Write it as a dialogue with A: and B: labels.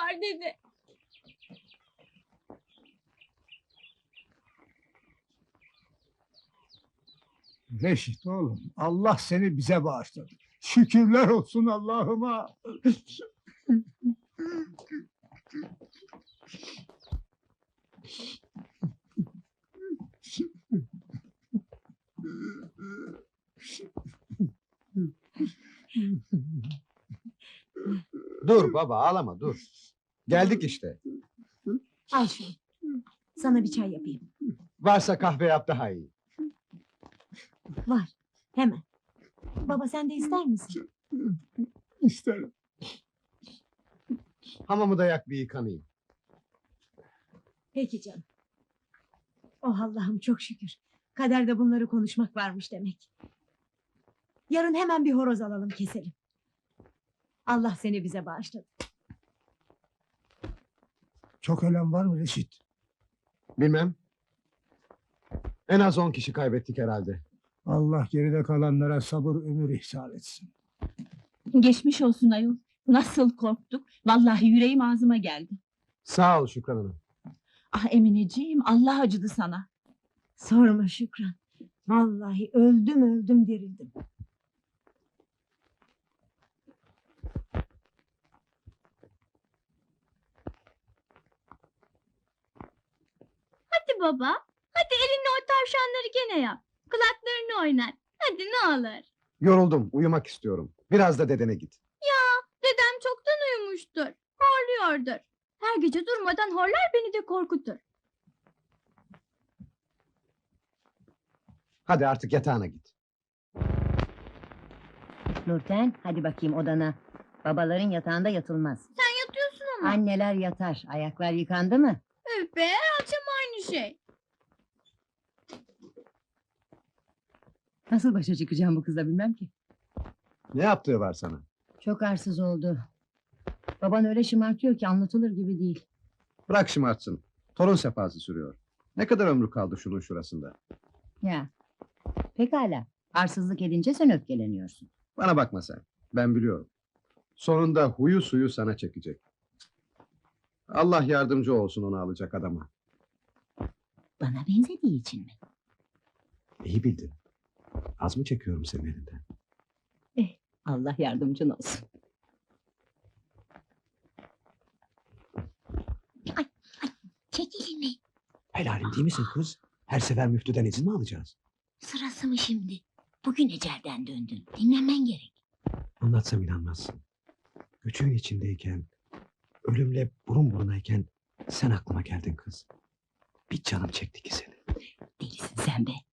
A: var dedi.
B: Reşit oğlum, Allah seni bize bağışladı. Şükürler olsun Allah'ıma.
C: Dur baba, ağlama dur. Geldik işte.
A: Al şunu. Sana bir çay yapayım.
C: Varsa kahve yap daha iyi.
A: Var. Hemen. Baba sen de ister misin?
B: İsterim.
C: Hamamı da yak bir yıkanayım.
A: Peki canım. Oh Allah'ım çok şükür. Kaderde bunları konuşmak varmış demek. Yarın hemen bir horoz alalım keselim. Allah seni bize bağışladı.
B: Çok ölen var mı Reşit?
C: Bilmem. En az 10 kişi kaybettik herhalde.
B: Allah geride kalanlara sabır ömür ihsan etsin.
D: Geçmiş olsun ayol. Nasıl korktuk. Vallahi yüreğim ağzıma geldi.
C: Sağ ol Şükran Hanım.
D: Ah Emineciğim, Allah acıdı sana.
A: Sorma Şükran. Vallahi öldüm dirildim.
E: Hadi baba. Hadi elinle o tavşanları gene yap. Kulaklarını oynat. Hadi ne olur.
C: Yoruldum, uyumak istiyorum. Biraz da dedene git.
E: Dedem çoktan uyumuştur. Horluyordur. Her gece durmadan horlar beni de korkutur.
C: Hadi artık yatağına git.
F: Nurten, hadi bakayım odana. Babaların yatağında yatılmaz.
E: Sen yatıyorsun ama.
F: Anneler yatar. Ayaklar yıkandı mı?
E: Öf be, her akşam aynı şey.
F: Nasıl başa çıkacağım bu kızla bilmem ki.
C: Ne yaptığı var sana?
F: Çok arsız oldu. Baban öyle şımartıyor ki anlatılır gibi değil.
C: Bırak şımartsın. Torun sefası sürüyor. Ne kadar ömrü kaldı şunun şurasında?
F: Ya. Pekala. Arsızlık edince sen öfkeleniyorsun.
C: Bana bakma sen. Ben biliyorum. Sonunda huyu suyu sana çekecek. Allah yardımcı olsun onu alacak adama.
F: Bana benzediği için mi?
C: İyi bildin. Az mı çekiyorum senin elinden?
F: Allah yardımcın olsun.
E: Çek elini.
C: Helalim değil misin kız? Her sefer müftüden izin mi alacağız?
E: Sırası mı şimdi? Bugün ecelden döndün. Dinlenmen gerek.
C: Anlatsam inanmazsın. Göçüğün içindeyken, ölümle burun burunayken sen aklıma geldin kız. Bir canım çekti ki seni.
F: Delisin sen be.